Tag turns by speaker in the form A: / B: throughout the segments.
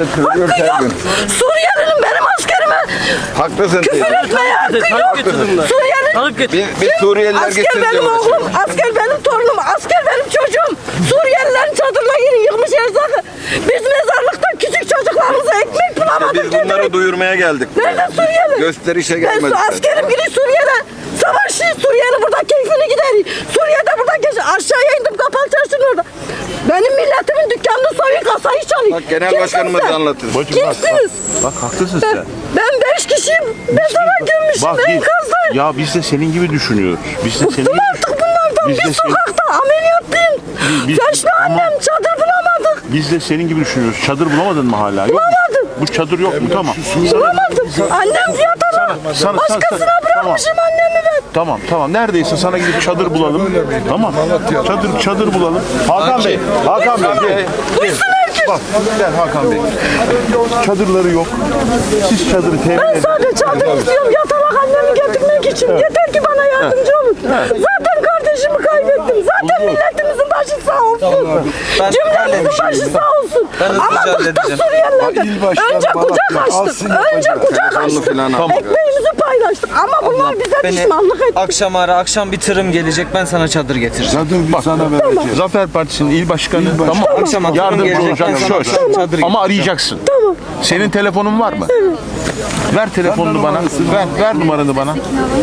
A: Kırılıyor
B: Hakkı
A: her
B: yok.
A: gün.
B: Suriyelinin benim askerime
A: Haklısın
B: küfür
A: teyze.
B: etmeye hakkı yok. Suriyeli.
A: Bir Suriyeliler
B: Asker
A: gitsin
B: benim
A: diyorlar.
B: oğlum, asker benim torunum, asker benim çocuğum. Suriyelilerin çadırlarını yıkmış erzakı. Biz mezarlıkta küçük çocuklarımıza ekmek bulamadık.
A: Biz bunları duyurmaya geldik.
B: Nerede Suriyeli?
A: Gösterişe
B: Ben
A: gelmedik.
B: askerim biri Suriye'de. Savaşçı Suriyeli burada keyfini gider. Suriye'de burada aşağıya indim kapalı çarşının orada. Benim milletimin dükkanını soyun kasayı çalıyor.
A: Bak genel başkanımız anlatır.
B: Kimsiniz?
C: Bak haklısın sen.
B: Ben 5 kişiyim. Mezara gömmüşüm
C: Bak
B: enkazda.
C: ya biz de senin gibi düşünüyoruz. Biz de senin
B: Bıktım
C: gibi
B: artık bunlardan.
C: Biz
B: Bir
C: de
B: sokakta ameliyatlıyım.
C: Biz-
B: Yaşlı
C: ama-
B: annem çadır bulamadık.
C: Biz de senin gibi düşünüyoruz. Çadır bulamadın mı hala? Yok mu?
B: Bulamadım.
C: Bu çadır yok mu? Tamam.
B: Bulamadım. Annem fiyatına.
C: sana-
B: Başkasına
C: sana-
B: bırakmışım annemi ben.
C: Tamam. Neredeyse sana gidip çadır bulalım. Tamam. Çadır bulalım. Hakan Bey. Gel.
B: Buyursun herkes.
C: Bak gel Hakan Bey. Çadırları yok. Siz çadırı temin
B: Ben
C: edin.
B: sadece çadır istiyorum. Yatalak annemi getirmek için. Yeter ki bana yardımcı olun. Zaten kardeşimi kaybettim. Zaten milletimizin başı sağ olsun. Cümlemizin başı sağ olsun. Ama bıktık Suriyelilerden. Önce kucak açtık. Önce kucak açtık. Ekmeğimizi paylaştık. Ama bunlar bize pişmanlık etti.
D: Akşam ara, akşam bir tırım gelecek, ben sana çadır getireceğim.
C: Bak, Zafer Partisi'nin il başkanı tamam.
D: Akşam akşam
C: Yardımcı
D: gelecek,
C: olacak
D: ben sana
C: söz.
D: çadır
C: Ama arayacaksın.
B: Tamam.
C: Senin telefonun var mı? Ver telefonunu bana. Ver numaranı bana.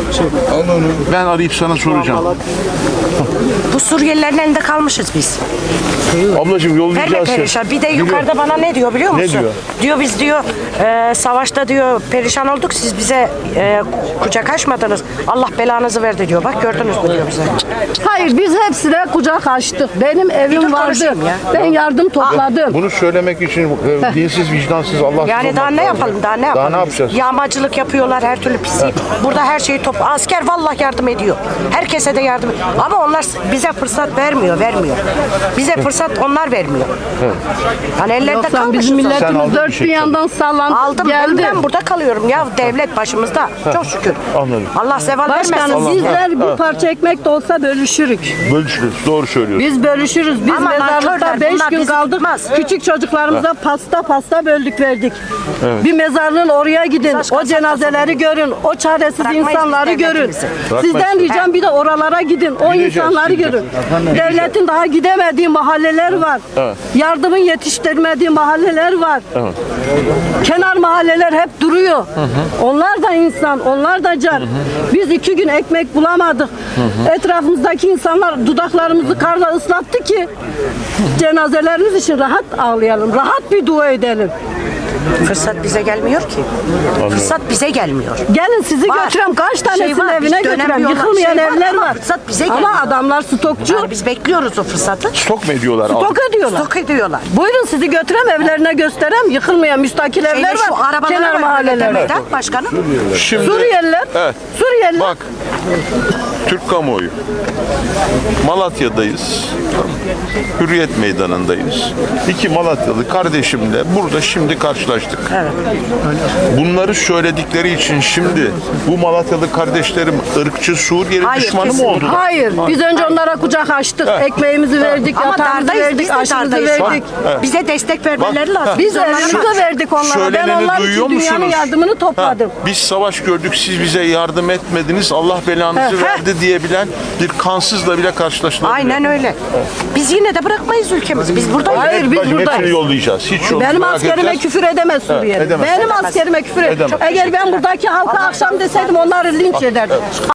C: Ben arayıp sana soracağım.
E: Bu Suriyelilerin elinde kalmışız biz.
C: Ablacığım yollayacağız seni.
E: Perişan. Bir de yukarıda bana ne diyor biliyor musun?
C: Ne diyor?
E: Diyor biz diyor savaşta diyor perişan olduk, siz bize kucak açmadınız. Allah belanızı verdi diyor. Bak gördünüz mü diyor bize.
B: Hayır, biz hepsine kucak açtık. Benim evim vardı.
E: konuşayım ya.
B: Ben yardım topladım.
C: Bunu söylemek için dinsiz, vicdansız, Allahsız
E: Yani daha
C: olmak
E: ne
C: lazım.
E: yapalım? Daha ne
C: Daha
E: yapalım?
C: ne yapacağız?
E: Yağmacılık yapıyorlar, her türlü pislik. Burada her şeyi asker vallahi yardım ediyor. Herkese de yardım ediyor. Ama onlar bize fırsat vermiyor. Bize fırsat onlar vermiyor. Yani ellerinde
B: Yoksa
E: kalmışız.
B: bizim
C: Sen aldın
B: milletimiz
C: bir
B: dört
C: şey
B: bir yandan sallandı.
E: Aldım
B: geldi.
E: ben burada kalıyorum ya, devlet başımızda. Çok şükür.
C: Anladım.
E: Allah zeval
B: Başkanım
E: vermesin.
B: bizler bir parça ekmek de olsa bölüşürük.
C: Bölüşürüz. Doğru söylüyorsun.
B: Biz bölüşürüz. Biz
E: Ama
B: mezarlıkta
E: nankörler,
B: 5
E: bunlar
B: gün
E: bizi
B: kaldık.
E: tutmaz.
B: Küçük çocuklarımıza pasta böldük verdik. Bir mezarlığın oraya gidin.
E: Saç
B: O
E: kasap
B: cenazeleri görün. O çaresiz
E: Bırakmayız
B: insanları
E: biz
B: görün.
E: devletimizi.
B: Sizden ricam bir de oralara gidin. O
C: Gideceğiz,
B: insanları
C: gideceğiz.
B: görün. Devletin daha gidemediği mahalleler var. Yardımın yetiştirmediği mahalleler var. Kenar mahalleler hep duruyor. Onlar da insan, onlar da can. Biz 2 gün ekmek bulamadık. Etrafımızdaki insanlar dudaklarımızı karla ıslattı ki cenazelerimiz için rahat ağlayalım, rahat bir dua edelim.
E: Fırsat bize gelmiyor ki. Fırsat bize gelmiyor.
B: Gelin sizi
E: Var.
B: götürem, kaç tanesinin
E: var,
B: evine
E: biz
B: götürem.
E: dönemiyorlar.
B: Yıkılmayan evler
E: ama
B: var.
E: Fırsat bize
B: Ama
E: gelmiyor.
B: adamlar stokçu.
E: Yani biz bekliyoruz o fırsatı.
C: Stok mu ediyorlar?
B: Stok ediyorlar.
E: Stok ediyorlar.
B: Buyurun sizi götürem, evlerine gösterem. Yıkılmayan müstakil evler
E: Şu
B: var.
E: arabalar
B: Kenar
E: var
B: mahallelerde.
E: mahallelerde. Başkanım.
C: Şimdi,
B: Suriyeliler.
C: Evet.
B: Suriyeliler.
C: Bak, Türk kamuoyu. Malatya'dayız. Hürriyet Meydanı'ndayız. 2 Malatyalı kardeşimle burada şimdi karşılaştık. Bunları söyledikleri için şimdi bu Malatyalı kardeşlerim ırkçı Suriyeli
E: Hayır,
C: düşmanı mı
E: kesinlikle.
C: oldular?
B: Hayır. Biz önce onlara kucak açtık. Ekmeğimizi verdik,
E: Ama
B: yatağımızı
E: dardayız, biz
B: verdik,
E: de
B: aşımızı
E: dardayız.
B: verdik.
E: Bize destek vermeleri lazım.
B: Biz
E: onlara
B: evimizi verdik onlara. Ben
C: Söyleneni
B: onlar
C: duyuyor
B: için dünyanın
C: musunuz?
B: yardımını topladım.
C: Biz savaş gördük, siz bize yardım etmediniz, Allah belanızı verdi diyebilen bir kansızla bile karşılaştılar.
E: Aynen öyle. Biz yine de bırakmayız ülkemizi. Biz buradayız.
B: Hayır, biz
C: Hepsini
B: buradayız.
C: yollayacağız. Hiç yok.
B: Benim
C: merak
B: askerime
C: edeceğiz.
B: küfür edemez Suriyeli.
C: edemez.
B: Benim askerime küfür edemez.
C: Edemez.
B: Eğer ben buradaki halka akşam deseydim onları linç ederdim.